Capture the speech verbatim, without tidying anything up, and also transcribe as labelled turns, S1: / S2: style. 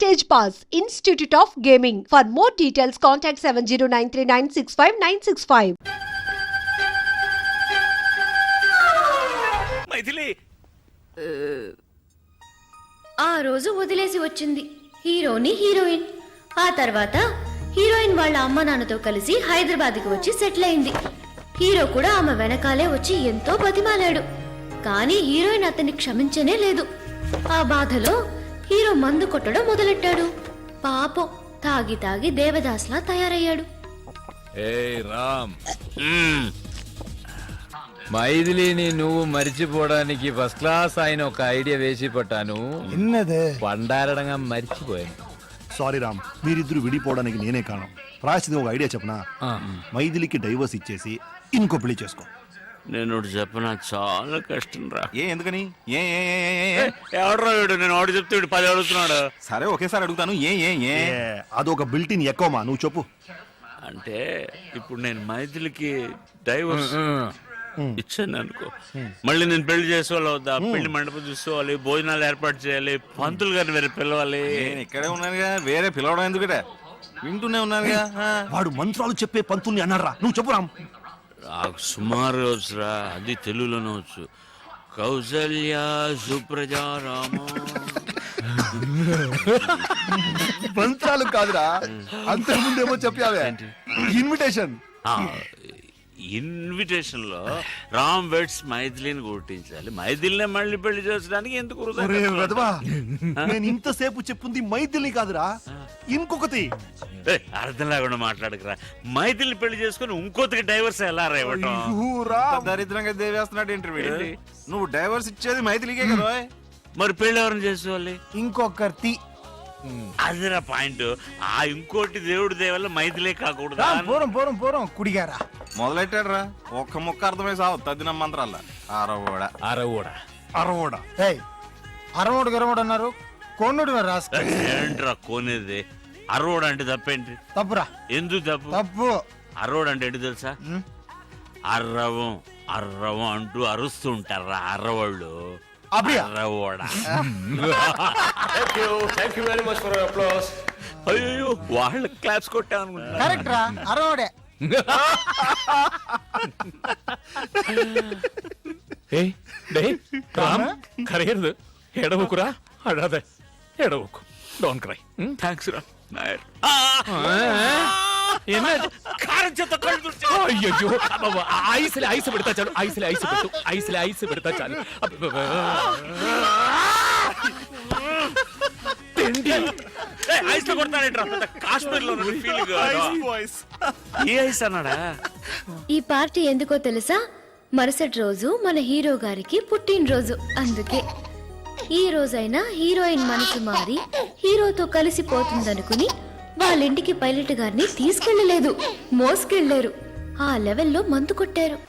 S1: Stage Pass, Institute of Gaming. For more details, contact seven zero nine three nine six five nine six five.
S2: Maithili
S3: ఆ రోజు వదిలేసి వచ్చింది హీరోని heroine. ఆ తర్వాత హీరోయిన్ వాళ్ళ అమ్మ నాన్నతో కలిసి హైదరాబాద్కి వచ్చి సెటిల్ అయింది. హీరో కూడా ఆమె వెనకాలే వచ్చి ఎంతో బతిమాలాడు. కానీ హీరోయిన్ అతన్ని క్షమించనే లేదు. ఆ బాధలో హీరో మందు కొట్టడం మొదలెట్టాడు. పాపం తాగి తాగి దేవదాస్లా తయారయ్యాడు.
S4: ఏయ్ రామ్, మైథిలిని నువ్వు మర్చిపోవడానికి ఫస్ట్ క్లాస్ ఆయన ఒక ఐడియా వేసి పట్టాను. పండారడంగా మర్చిపోయాను.
S5: సారీ రామ్, మీరిద్దరు విడిపోవడానికి నేనే కారణం. ప్రాయశ్చితం ఒక ఐడియా చెప్పనా? మైథిలికి డైవర్స్ ఇచ్చేసి ఇంకో పెళ్లి చేసుకో.
S2: నేను చెప్పనా, చాలా కష్టం రా.
S6: ఏ ఎందుకని? ఏ
S2: ఎవడరా వీడు? నేను ఆడు చెప్తే వీడు పది అడుగుతున్నాడు.
S6: సరే ఒకేసారి అడుగుతాను. ఏ ఏ ఏ
S5: అదొక బిల్టిన్ ఎక్కువమా, నువ్వు చెప్పు.
S2: అంటే ఇప్పుడు నేను మైథిలికి డైవర్స్ ఇచ్చాను అనుకో, మళ్ళీ నేను పెళ్లి చేసుకోవాలి వద్దా? పెళ్లి మండపం చూసుకోవాలి, భోజనాలు ఏర్పాటు చేయాలి, పంతులు గారిని వేరే పిలవాలి.
S6: నేను ఇక్కడే ఉన్నానుగా, వేరే పిలవడం ఎందుకట? వింటూనే ఉన్నానుగా.
S5: వాడు మంత్రాలు చెప్పే పంతుల్ని అన్నారా? నువ్వు చెప్పు రామ్.
S2: నాకు సుమారు వచ్చురా, అది తెలుగులోనే వచ్చు. కౌసల్య సుప్రజా రామ.
S5: మంత్రాలు కాదురా, అంతకుముందేమో చెప్పావే ఇన్విటేషన్.
S2: ఇన్విటేషన్ లో రామ్ వెడ్స్ మైథిలిని గుర్తించాలి. మైథిలినే మళ్ళీ పెళ్లి చేసడానికి ఎందుకు?
S5: నేను ఇంతసేపు చెప్పుంది మైథిలిని కాదురా, ఇంకొకటి.
S2: అర్థం లేకుండా మాట్లాడకరా. మైథిలిని పెళ్లి చేసుకుని ఇంకోతికి డైవర్స్ ఎలా రేవటం?
S6: దరిద్రంగా దేవేస్తున్నాడు ఇంటర్వ్యూ. నువ్వు డైవర్స్ ఇచ్చేది మైథిలికే కదా,
S2: మరి పెళ్లి ఎవరిని చేసుకోవాలి?
S5: ఇంకొకటి.
S2: అదిరా పాయింట్. ఆ ఇంకోటి దేవుడి దేవల్ల మైథిలే కాకూడదు.
S5: పూరం పూరం పూరం కుడిగారా
S6: మొదలెట్టాడు రా. ఒక్క ముక్క అర్థమై సావు తద్దిన మంత్రాల. అరవోడ
S4: అరవోడ
S5: అరవోడ అరవోడు గరవోడు అన్నారు. కోనుడు రాస్తా
S2: ఏంట్రా కోనేది? అరవోడు అంటే తప్పేంటి?
S5: తప్పురా.
S2: ఎందుకు తప్పు?
S5: తప్పు.
S2: అరవోడు అంటే ఏంటి తెలుసా? అర్రవం అర్రవం అంటూ అరుస్తూ ఉంటారా అర్రవాళ్ళు. అయ్యో వాళ్ళ క్లాప్స్ కొట్టాను.
S5: కరెక్ట్ రా, అరవోడే.
S4: కరగదు, ఎడవకురా. అడాదే ఎడవకు. Don't cry.
S2: థ్యాంక్స్ రా నాయర్.
S4: అయ్యో ఐస్లే ఐస్ పెడతా చాలు. ఐస్లే ఐస్ పెట్టు. ఐస్లే ఐస్ పెడతా చాలు.
S3: ఈ పార్టీ ఎందుకో తెలుసా? మరుసటి రోజు మన హీరో గారికి పుట్టినరోజు. అందుకే ఈ రోజైనా హీరోయిన్ మనసు మారి హీరోతో కలిసిపోతుందనుకుని వాళ్ళింటికి పైలట్ గారిని తీసుకెళ్లలేదు, మోసుకెళ్లారు. ఆ లెవెల్లో మందు కొట్టారు.